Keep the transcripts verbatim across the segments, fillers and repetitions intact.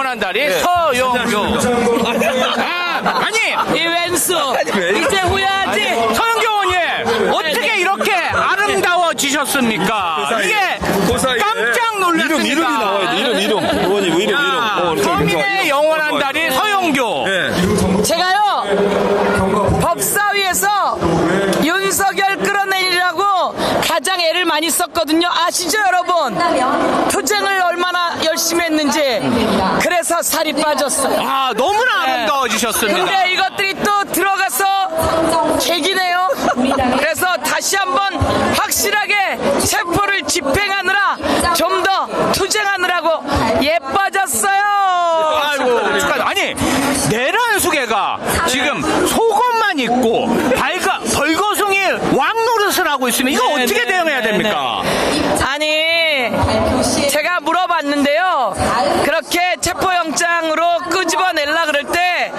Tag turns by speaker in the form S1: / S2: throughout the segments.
S1: 영원한 달인 서영교. 아, 아니,
S2: 이 왼수 이제 후회하지.
S1: 서영교 의원님, 어떻게 이렇게 아름다워지셨습니까? 이게 깜짝 놀랐습니다.
S3: 이름, 이름이 나와야 돼. 이름, 이름. 의원님, 이름, 이름. 어,
S1: 서민의 영원한 달인 서영교.
S3: 네.
S2: 제가요 법사위에서 윤석열 끌어내리라고 가장 애를 많이 썼거든요. 아시죠 여러분? 투쟁을 얼마나 열심히 했는지. 그래서 살이 빠졌어요.
S1: 아, 너무나 아름다워지셨습니다.
S2: 근데 이것들이 또 들어가서 개기네요. 그래서 다시 한번 확실하게 체포를 집행하느라 좀 더 투쟁하느라고 예뻐졌어요.
S1: 아이고, 축하. 아니, 내란 수계가 지금 속옷만 입고 발가, 벌거숭이 왕 노릇을 하고 있으면 이거
S2: 네,
S1: 어떻게
S2: 네,
S1: 대응해야
S2: 네,
S1: 됩니까?
S2: 아니, 제가 물어봤는데요. 그렇게 체포영장으로 끄집어내려 그럴 때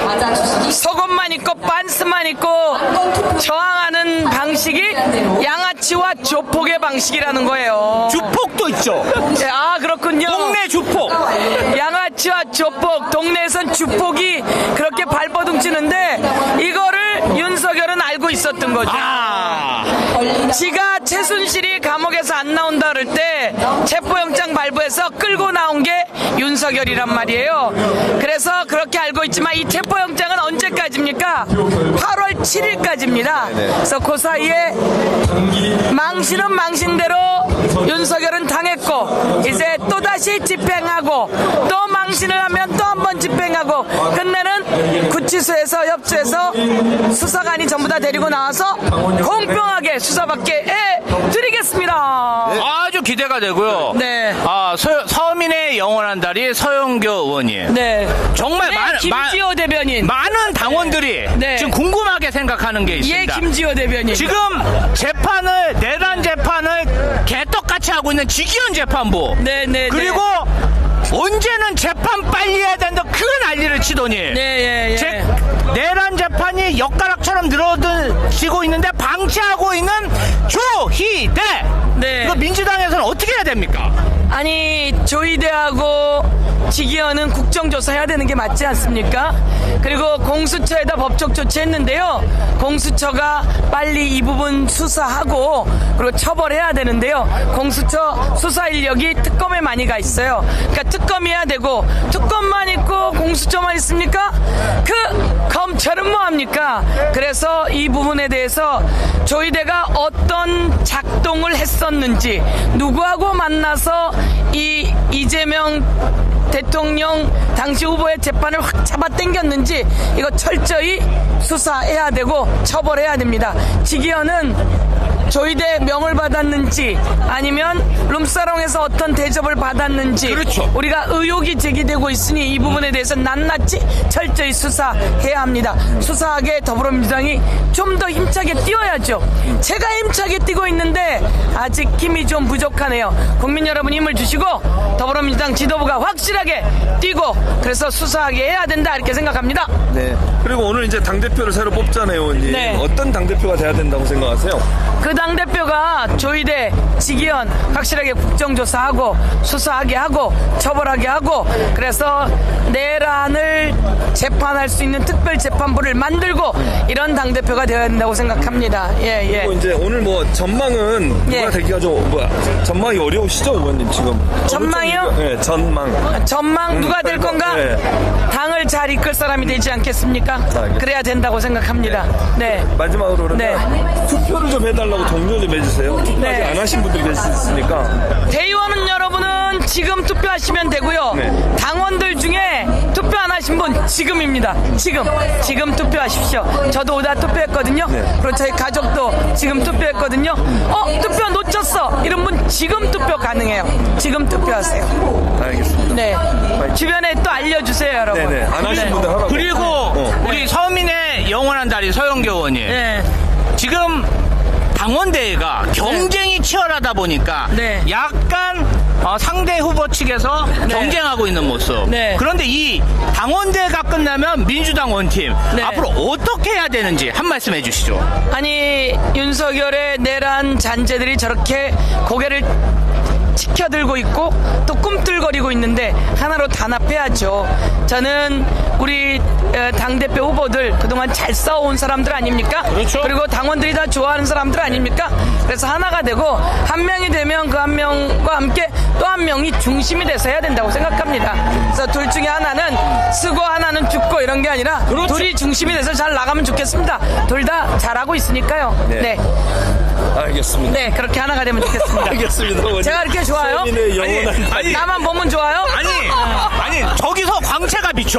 S2: 속옷만 입고 반스만 입고 저항하는 방식이 양아치와 조폭의 방식이라는 거예요.
S1: 주폭도 있죠.
S2: 네, 아 그렇군요.
S1: 동네 주폭.
S2: 양아치와 조폭, 동네에선 주폭이 그렇게 발버둥 치는데 이거를 윤석열은 알고 있었던 거죠.
S1: 아,
S2: 지가 최순실이 감옥에서 안 나온다 그럴 때 체포영장 발부해서 끌고 나온 게 윤석열이란 말이에요. 그래서 그렇게 알고 있지만 이 체포영장은 언제까지입니까? 팔월 칠일까지입니다. 그래서 그 사이에 망신은 망신대로 윤석열은 당했고 이제 또다시 집행하고 또 망신을 하면 또 한 번 집행하고 끝내는 구치소에서 협조해서 수사관이 전부 다 데리고 나와서 공평하게 수사받게 해드리겠습니다.
S1: 아주 기대가 되고요.
S2: 네.
S1: 아, 서, 서민의 영원한 달인 서영교 의원님.
S2: 네.
S1: 정말
S2: 네,
S1: 많은
S2: 김지호 대변인.
S1: 많은 당원들이
S2: 네.
S1: 지금 궁금하게 생각하는 게
S2: 예,
S1: 있습니다.
S2: 김지호 대변인.
S1: 지금 재판을 내란 재판을 개떡같이 하고 있는 직위원 재판부.
S2: 네, 네,
S1: 그리고 언제는 재판 빨리 해야 된다 그 난리를 치더니
S2: 네, 예, 예.
S1: 제, 내란 재판이 엿가락처럼 늘어지고 있는데 방치하고 있는 조희대.
S2: 네.
S1: 이거 민주당에서는 어떻게 해야 됩니까?
S2: 아니 조희대하고 직위원은 국정조사 해야 되는 게 맞지 않습니까? 그리고 공수처에다 법적 조치했는데요. 공수처가 빨리 이 부분 수사하고 그리고 처벌해야 되는데요. 공수처 수사 인력이 특검에 많이 가 있어요. 그러니까 특검이어야 되고 특검만 있고 공수처만 있습니까? 그 검찰은 뭐합니까? 그래서 이 부분에 대해서 조희대가 어떤 작동을 했었는지 누구하고 만나서 이 이재명 대통령 당시 후보의 재판을 확 잡아당겼는지 이거 철저히 수사해야 되고 처벌해야 됩니다. 직위원은 조희대 명을 받았는지 아니면 룸사롱에서 어떤 대접을 받았는지
S1: 그렇죠.
S2: 우리가 의혹이 제기되고 있으니 이 부분에 대해서 낱낱이 철저히 수사해야 합니다. 수사하게 더불어민주당이 좀 더 힘차게 뛰어야죠. 제가 힘차게 뛰고 있는데 아직 힘이 좀 부족하네요. 국민 여러분 힘을 주시고 더불어민주당 지도부가 확실하게 뛰고 그래서 수사하게 해야 된다 이렇게 생각합니다.
S3: 네. 그리고 오늘 이제 당대표를 새로 뽑잖아요, 의원님.
S2: 네.
S3: 어떤 당대표가 돼야 된다고 생각하세요?
S2: 그 당대표가 조희대, 직위원 확실하게 국정조사하고 수사하게 하고 처벌하게 하고 그래서 내란을 재판할 수 있는 특별재판부를 만들고 이런 당대표가 되어야 된다고 생각합니다. 예, 예.
S3: 그리고 이제 오늘 뭐 전망은 누가
S2: 예.
S3: 되기가 좀 뭐야 전망이 어려우시죠, 의원님 지금?
S2: 전망이요?
S3: 네, 전망.
S2: 전망 누가 될 건가?
S3: 네.
S2: 당을 잘 이끌 사람이 되지 않겠습니까? 그래야 된다고 생각합니다. 네.
S3: 마지막으로 그러면
S2: 네.
S3: 투표를 좀 해달라고 동료 좀 해주세요. 투표
S2: 네.
S3: 아직 안 하신 분들이 계실 수 있으니까.
S2: 대의원은 여러분은 지금 투표하시면 되고요.
S3: 네.
S2: 당원들 중에 투표 안 하신 분 지금입니다. 지금 지금 투표하십시오. 저도 오다 투표했거든요.
S3: 네.
S2: 그리고 저희 가족도 지금 투표했거든요. 어 투표 놓쳤어 이런 분 지금 투표 가능해요. 지금 투표하세요.
S3: 알겠습니다.
S2: 네. 주변에 또 알려주세요, 여러분.
S3: 네네. 안 하신
S2: 네.
S3: 분들 하라고.
S1: 그리고
S3: 어.
S1: 우리 서민의 영원한 달인 서영교 의원님.
S2: 네.
S1: 지금 당원대회가 경쟁이 치열하다 보니까
S2: 네.
S1: 약간 어, 상대 후보 측에서
S2: 네.
S1: 경쟁하고 있는 모습.
S2: 네.
S1: 그런데 이 당원대회가 끝나면 민주당 원팀
S2: 네.
S1: 앞으로 어떻게 해야 되는지 한 말씀 해주시죠.
S2: 아니 윤석열의 내란 잔재들이 저렇게 고개를 치켜들고 있고 또 꿈틀거리고 있는데 하나로 단합해야죠. 저는 우리 어, 당대표 후보들 그동안 잘 싸워온 사람들 아닙니까?
S1: 그렇죠.
S2: 그리고 당원들이 다 좋아하는 사람들 아닙니까? 그래서 하나가 되고 한 명이 되면 그 한 명과 함께 또 한 명이 중심이 돼서 해야 된다고 생각합니다. 그래서 둘 중에 하나는 쓰고 하나는 죽고 이런 게 아니라
S1: 그렇죠.
S2: 둘이 중심이 돼서 잘 나가면 좋겠습니다. 둘 다 잘하고 있으니까요.
S3: 네.
S2: 네.
S3: 알겠습니다.
S2: 네, 그렇게 하나가 되면 좋겠습니다.
S3: 알겠습니다. 어머니.
S2: 제가 이렇게 좋아요?
S3: 서민의 영원한
S1: 아니, 아니.
S2: 나만 보면 좋아요?
S1: 아니, 아니, 저기서 광채가 비쳐.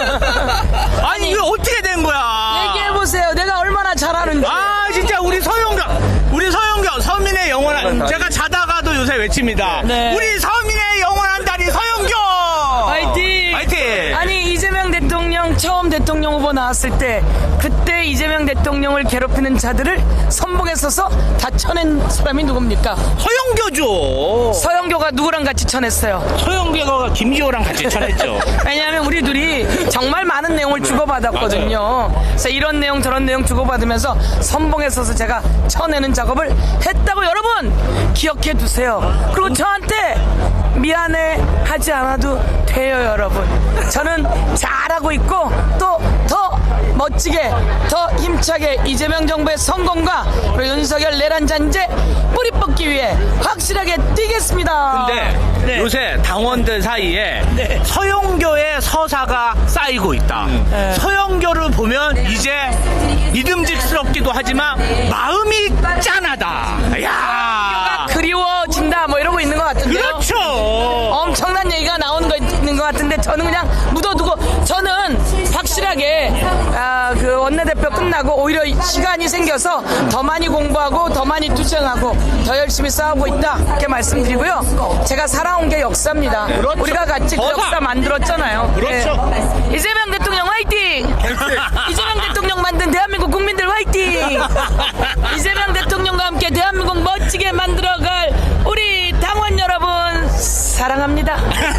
S1: 아니, 이거 어떻게 된 거야?
S2: 얘기해보세요. 내가 얼마나 잘하는지.
S1: 아, 진짜 우리 서영경, 우리 서영경, 서민의 영원한,
S3: 다리.
S1: 제가 자다가도 요새 외칩니다.
S2: 네.
S1: 우리 서민의 영원한 다리 서영경!
S2: 화이팅!
S1: 화이팅!
S2: 아니, 이재명 대통령 처음 대통령 후보 나왔을 때 그때 이재명 대통령을 괴롭히는 자들을 선봉에 서서 다 쳐낸 사람이 누굽니까?
S1: 서영교죠.
S2: 서영교가 누구랑 같이 쳐냈어요?
S1: 서영교가 김기호랑 같이 쳐냈죠.
S2: 왜냐하면 우리 둘이 정말 많은 내용을 주고받았거든요. 그래서 이런 내용 저런 내용 주고받으면서 선봉에 서서 제가 쳐내는 작업을 했다고 여러분 기억해 두세요. 그리고 저한테 미안해 하지 않아도 돼요 여러분. 저는 잘하고 있고 또 더 멋지게 더 힘차게 이재명 정부의 성공과 그리고 윤석열 내란 잔재 뿌리 뽑기 위해 확실하게 뛰겠습니다.
S1: 근데
S2: 네.
S1: 요새 당원들 사이에
S2: 네.
S1: 서영교의 서사가 쌓이고 있다.
S2: 네.
S1: 서영교를 보면 이제 믿음직스럽기도 하지만 마음이 짠하다. 야,
S2: 그리워진다 뭐 이러고 있는 것 같은데요.
S1: 그렇죠.
S2: 엄청난 얘기가 나오는 거 있는 것 같은데 저는 그냥 묻어두고 저는 확실하게 아, 그 원내대표 끝나고 오히려 시간이 생겨서 더 많이 공부하고 더 많이 투쟁하고 더 열심히 싸우고 있다 이렇게 말씀드리고요. 제가 살아온 게 역사입니다.
S1: 그렇죠.
S2: 우리가 같이 그
S1: 거사.
S2: 역사 만들었잖아요.
S1: 그렇죠.
S2: 네. 이재명 대통령 화이팅! 이재명 대통령 만든 대한민국 국민들 화이팅! 이재명 대통령과 함께 대한민국 멋지게 만들어갈 우리 당원 여러분 사랑합니다.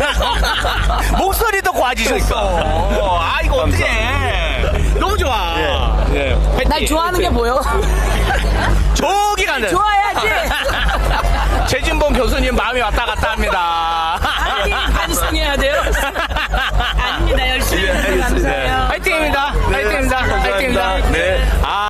S1: 목소리도 고와지셨어. 아, 이거 어떡해. 너무 좋아.
S3: 예.
S2: 날 좋아하는 게 뭐요?
S1: 저기 가는.
S2: 좋아야지.
S1: 최진봉 교수님 마음이 왔다 갔다 합니다.
S2: 아니 반성해야 돼요. 아닙니다. 열심히 해서 감사해요.
S1: 화이팅입니다. 화이팅입니다.
S3: 감사합니다.
S1: 화이팅입니다.
S3: 네.
S1: 아.